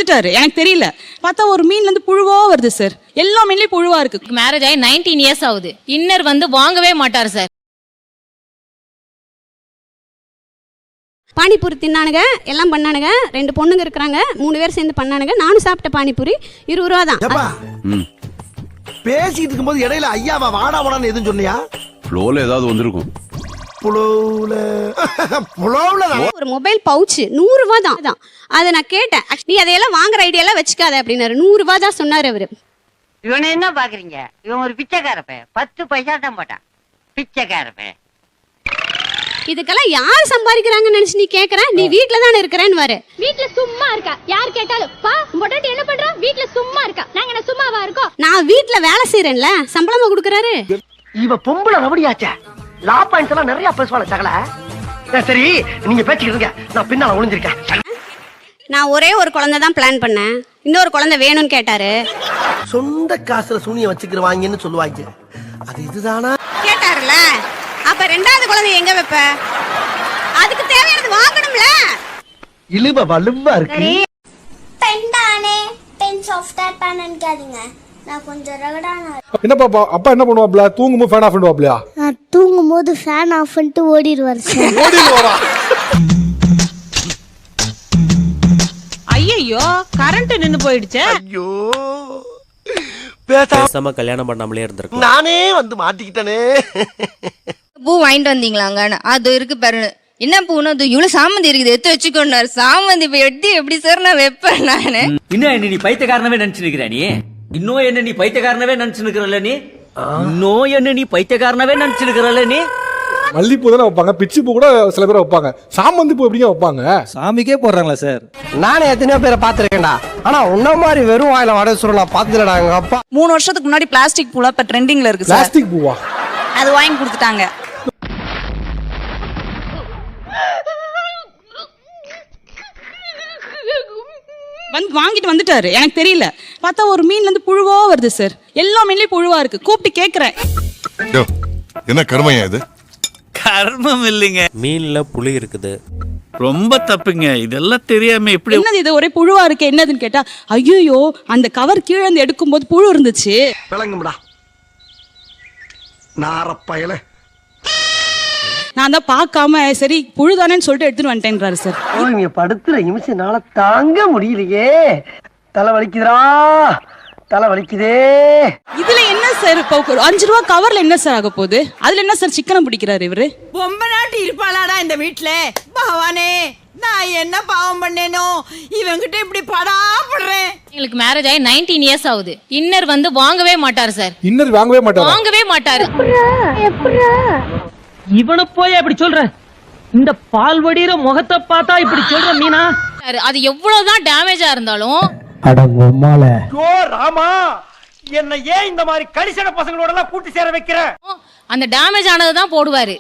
வந்துட்டாரு, எனக்கு தெரியல. பார்த்தா ஒரு மீன்ல இருந்து புழுவா வருது சார். எல்லா மீன்லயும் புழுவா இருக்கு. மேரேஜ் ஆகி 19 இயர்ஸ் ஆகுது. இன்னர் வந்து வாங்கவே மாட்டார் சார். பானிபூரி தின்னானுங்க, எல்லாம் பண்ணானுங்க. 2 பொண்ணுங்க இருக்கிறாங்க, 3 பேர் சேர்ந்து பண்ணானுங்க. நானும் சாப்பிட்ட பானிபூரி 20 ரூபா தான். பேசிட்டு இருக்கும்போது இடையில ஐயாவா வாடா வாடான்னு எதுவும் சொன்னியா? ஃப்ளோல ஏதாவது வந்திருக்கும். ஒரு மொபைல் பவுச் 100 ரூபா தான். அதை நான் கேட்டேன், நீ அதையெல்லாம் வாங்குற ஐடியாலாம் வச்சுக்காத அப்படின்னாரு. 100 ரூபா தான் சொன்னாரு அவரு. இவனை என்ன பாக்குறீங்க? இவன் ஒரு பிச்சைக்காரப்ப, 10 பைசா தான் போட்டான். பிச்சைக்காரப்ப. இதுக்கெல்லாம் யார் சம்பாதிக்கிறாங்கன்னு நினைச்சு நீ கேக்குற? நீ வீட்டுல தானே இருக்கிறேன்னு வரு. வீட்ல சும்மா இருக்கா? யார் கேட்டாலும் பா மொட்டாட்டி என்ன பண்றா? வீட்ல சும்மா இருக்கா? நாங்க என்ன சும்மாவா இருக்கோம்? நான் வீட்டுல வேலை செய்யறேன்ல, சம்பளமா கொடுக்கறாரு. இவ பொம்பளை ரவடியாச்சே. லா பாயிண்ட்ஸ் எல்லாம் நிறைய பேசுவாளே சகல. சரி நீங்க பேசிக்கிட்டு இருங்க, நான் பின்னால ஒளிஞ்சிருக்கேன். நான் ஒரே ஒரு குழந்தை தான் பிளான் பண்ணேன். இன்னொரு குழந்தை வேணும்னு கேட்டாரு. சொந்த காசுல சூனிய வச்சுக்கிறவாங்கன்னு சொல்லுவாங்க. அது இதுதானா கேட்டாருல, அப்ப 2வது குழந்தை எங்க வைப்ப? அதுக்கு தேவையானது வாங்கணும்ல. இழுவ வலுவா இருக்கு. பெண்டானே பென் சாஃப்ட்வேர் பேன் நினைக்காதீங்க, நான் கொஞ்சம் ரகடான. என்ன பாப்பா, அப்பா என்ன பண்ணுவாப்ல? தூங்கும்போது ஃபேன் ஆஃப் பண்ணுவாப்லையா? நான் தூங்கும்போது ஃபேன் ஆஃப் பண்ணிட்டு ஓடிடுவார் சார். ஓடிடுவாரா? ஐயோ, கரண்ட் நின்னு போயிடுச்சே. ஐயோ பேசாம கல்யாணம் பண்ணாமலே இருந்திருக்கும். நானே வந்து மாட்டிக்கிட்டனே. பூ வாங்கிட்டு வந்தீங்களாங்க? அது இருக்கு பாரு. என்ன பூன்னு? அது இவ்வளவு சாமந்தி இருக்குது, எடுத்து வச்சுக்கோண்டாரு. சாமந்தி இப்ப எடுத்து எப்படி சார் நான் வைப்பேன் நானு? இன்னும் என்ன நீ பைத்தியக்காரனவே நினைச்சு நிக்கிற? நீ இன்னும் என்ன நீ பைத்தியக்காரனவே நினைச்சு நிக்கிறல்ல? நீ இன்னும் என்ன நீ பைத்தியக்காரனவே நினைச்சு நிக்கிறல்ல? நீ மல்லிப்பூ தானே வைப்பாங்க, பிச்சி பூ கூட சில பேர் வைப்பாங்க. சாமந்தி பூ எப்படிங்க வைப்பாங்க? சாமிக்கே போடுறாங்களா சார்? நானே எத்தனையோ பேரை பாத்துருக்கேன்டா. ஆனா உன்ன மாதிரி வெறும் வாயில வடை சுருள் நான் பாத்துலடா. எங்க அப்பா 3 வருஷத்துக்கு முன்னாடி பிளாஸ்டிக் பூலா இப்ப ட்ரெண்டிங்ல இருக்கு சார். பிளாஸ்டிக் பூவா? அது வாங்கி கொடுத்துட்டாங்க. வாங்கிட்டு வந்துட்டாரு, எனக்கு தெரியல. பார்த்தா ஒரு மீன்ல இருந்து புழுவா வருது சார். எல்லா மீன்லயும் புழுவா இருக்கு. கூப்பிட்டு கேக்குறேன், என்ன கர்மையா இது? கர்மம் இல்லைங்க, மீன்ல புளி இருக்குது. ரொம்ப தப்புங்க. இதெல்லாம் தெரியாம எப்படி? என்னது இது ஒரே புழுவா இருக்கு, என்னதுன்னு கேட்டா, ஐயோ அந்த கவர் கீழே இருந்து எடுக்கும் போது புழு இருந்துச்சு. விளங்கும்டா நாரப்பயல. நான் தான் பார்க்காம சரி புழுதானேன்னு சொல்லிட்டு எடுத்துட்டு வந்துட்டேன்றாரு சார். நீங்க படுத்துற நிமிஷம்னால தாங்க முடியலையே. தலை வலிக்குதுடா, தலை வலிக்குதே. இதுல என்ன சார் இப்போ 5 ரூபா கவர்ல என்ன சார் ஆக போகுது? அதுல என்ன சார் சிக்கனை பிடிக்கிறாரு இவரு? ரொம்ப நாட்டி இருப்பாளாடா இந்த வீட்டுல. பகவானே, நான் என்ன பாவம் பண்ணேனோ இவங்கிட்ட இப்படி படாப்படுறேன். எங்களுக்கு மேரேஜ் ஆகி 19 இயர்ஸ் ஆகுது. இன்னர் வந்து வாங்கவே மாட்டார் சார். இன்னர் வாங்கவே மாட்டாரு? வாங்கவே மாட்டாரு. இவனை போய் அப்படி சொல்ற? இந்த பால் வடிகிற முகத்தை பார்த்தா இப்படி சொல்ற மீனா? அது எவ்வளவுதான் டேமேஜா இருந்தாலும் ஓ ராமா, என்ன ஏன் இந்த மாதிரி கடிசன பசங்களோட எல்லாம் கூட்டி சேர வைக்கிற? அந்த டேமேஜ் ஆனதுதான் போடுவாரு.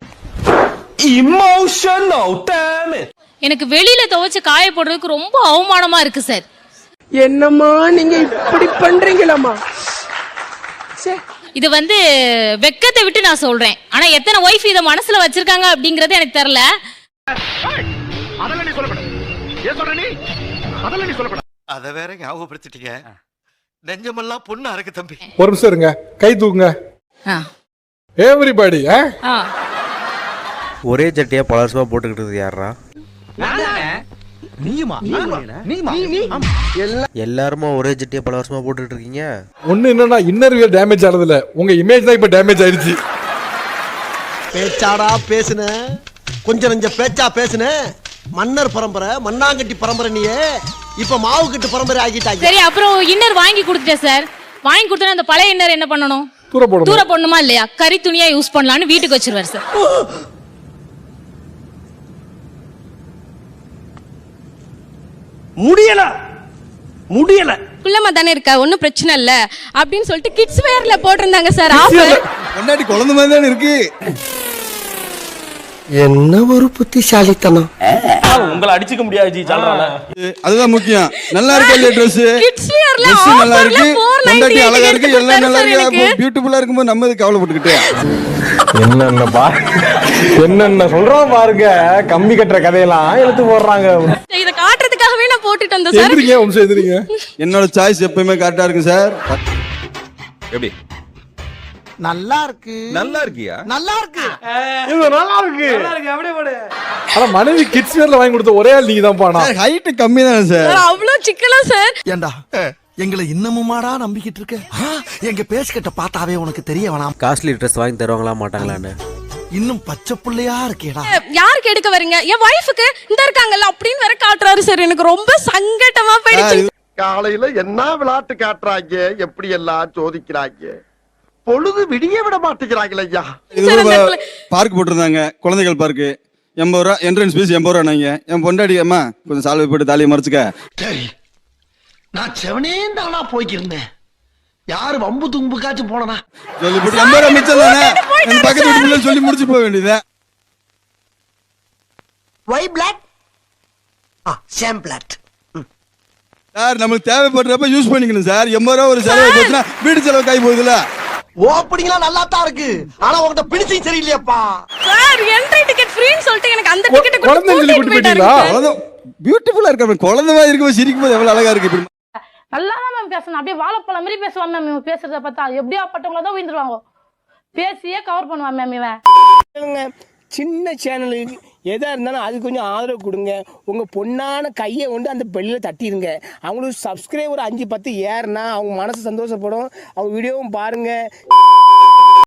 Emotional damage. எனக்கு வெளியில துவைச்சு காய போடுறதுக்கு ரொம்ப அவமானமா இருக்கு சார். என்னம்மா நீங்க இப்படி பண்றீங்களாமா? இது வந்து வெக்கத்தை விட்டு நான் சொல்றேன். ஆனா எத்தனை ஒய்ஃப் இத மனசுல வச்சிருக்காங்க அப்படிங்கறது எனக்கு தெரியல. அதெல்லாம் நீ சொல்லப்பட. ஏன் சொல்ற நீ? அதெல்லாம் நீ சொல்லப்பட. அத வேற ஞாபகப்படுத்திட்டீங்க. நெஞ்சமெல்லாம் பொண்ணு அறக்கு தம்பி. ஒரு நிமிஷம் இருங்க, கை தூக்குங்க எவரிபடி. ஒரே சட்டையா பல வருஷமா போட்டுக்கிட்டு யாரா? எல்லாருமா ஒரே சட்டையா பல வருஷமா போட்டுக்கிட்டு இருக்கீங்க. ஒண்ணு என்னன்னா இன்னர் வியர் டேமேஜ் ஆனதுல உங்க இமேஜ் தான் இப்ப டேமேஜ் ஆயிடுச்சு. பேச்சாடா பேசுன, கொஞ்சம் நெஞ்ச பேச்சா பேசுன. மன்னர் பரம்பரை, மண்ணாங்கட்டி பரம்பரை. நீயே இப்ப மாவு கட்டு பரம்பரை ஆகிட்டாங்க. சரி, அப்புறம் இன்னர் வாங்கி கொடுத்துட்டேன் சார். வாங்கி கொடுத்தா அந்த பழைய இன்னர் என்ன பண்ணணும்? தூர போடணுமா இல்லையா? கறி துணியா யூஸ் பண்ணலாம்னு வீட்டுக்கு வச்சிருவாரு சார். முடியல முடியல. குள்ளமா தானே இருக்கா, ஒன்னும் பிரச்சனை இல்ல அப்படின்னு சொல்லிட்டு கிட்ஸ் வேர்ல போட்டிருந்தாங்க சார். முன்னாடி குழந்தை மாதிரி தானே இருக்கு. என்ன ஒரு புத்திசாலித்தனம். உங்களை அடிச்சுக்க முடியாது ஜி சொல்றாங்க. அதுதான் முக்கியம். நல்லா இருக்கு இல்ல Dress நல்லா இருக்கு, பொண்டாட்டி அழகா இருக்கு, எல்லாம் நல்லா இருக்கு, பியூட்டிஃபுல்லா இருக்கும்போது நம்ம எதுக்கு கவலைப்பட்டுக்கிட்டு? என்னென்ன சொல்றோம் பாருங்க. கம்பி கட்டுற கதையெல்லாம் எடுத்து போடுறாங்க. இதை காட்டுறதுக்காகவே நான் போட்டுட்டு வந்தேன் சார். எந்திரிங்க வம்சம் எந்திரிங்க. என்னோட சாய்ஸ் எப்பயுமே கரெக்டா இருக்கு சார். எப்படி நல்லா இருக்கு. நல்லா இருக்கியா? நல்லா இருக்கு. இது நல்லா இருக்கு. ஆனா மனைவி கிட்ஸ் வேர்ல வாங்கி கொடுத்த ஒரே ஆள் நீங்க தான் பானா. ஹைட் கம்மி தானே சார். அவ்வளவு சிக்கலா சார். ஏண்டா எங்களை இன்னமுமாடா நம்பிக்கிட்டு இருக்க? எங்க பேசிக்கிட்ட பார்த்தாவே உனக்கு தெரிய வேணாம். காஸ்ட்லி ட்ரெஸ் வாங்கி தருவாங்களா மாட்டாங்களான்னு இன்னும் பச்சை புள்ளையா இருக்கேடா. யாருக்கு எடுக்க வரீங்க? என் வைஃபுக்கு இந்த இருக்காங்கல்ல அப்படின்னு வேற காட்டுறாரு சார். எனக்கு ரொம்ப சங்கட்டமா போயிடுச்சு. காலையில என்ன விளையாட்டு காட்டுறாங்க, எப்படி எல்லாம் சோதிக்கிறாங்க. பொழுது விடிய விட மாட்டேங்கிறாங்களே ஐயா. இது பார்க் போட்டிருந்தாங்க, குழந்தைகள் பார்க்கு. 80 ரூபா என்ட்ரன்ஸ் ஃபீஸ் 80 ரூபா. நாங்க என் பொண்டாடி அம்மா கொஞ்சம் சால்வை போட்டு தாலியை மறைச்சுக்க. சரி, நான் செவனே தானா போய்க்கிருந்தேன். யாரு வம்பு தும்புக்காச்சும் போனா சொல்லி போட்டு 80 ரூபா மிச்சம் தானே. என் பக்கத்து வீட்டு பிள்ளை சொல்லி முடிச்சு போக வேண்டியது. Why block same block. Sir நம்மளுக்கு தேவைப்படுறப்ப யூஸ் பண்ணிக்கணும் சார். 80 ரூபா ஒரு செலவு போச்சுன்னா வீட்டு செலவு காய் போகுதுல. ஓப்பனிங்லாம் நல்லா தான் இருக்கு, ஆனா உங்ககிட்ட பிடிச்சி சரியில்லையாப்பா. சார் என்ட்ரி டிக்கெட் ஃப்ரீன்னு சொல்லிட்டு எனக்கு அந்த டிக்கெட் குழந்தை சொல்லி கூட்டி போயிட்டீங்களா? பியூட்டிஃபுல்லா இருக்கு. குழந்தை மாதிரி இருக்கும், சிரிக்கும் போது எவ்வளவு அழகா இருக்கு. நல்லா தான் மேம் பேசணும். அப்படியே வாழைப்பழம் மாதிரி பேசுவான் மேம். இவன் பேசுறத பார்த்தா எப்படியா பட்டவங்கள தான் விழுந்துருவாங்க. பேசியே கவர் பண்ணுவான் மேம் இவன். சின்ன சேனலுக்கு எதா இருந்தாலும் அது கொஞ்சம் ஆதரவு கொடுங்க. உங்க பொண்ணான கையை கொண்டு அந்த பெல்லில் தட்டிடுங்க. அவங்களுக்கு சப்ஸ்கிரைபர் 5-10 ஏறுனா அவங்க மனசு சந்தோஷப்படும். அவங்க வீடியோவும் பாருங்க.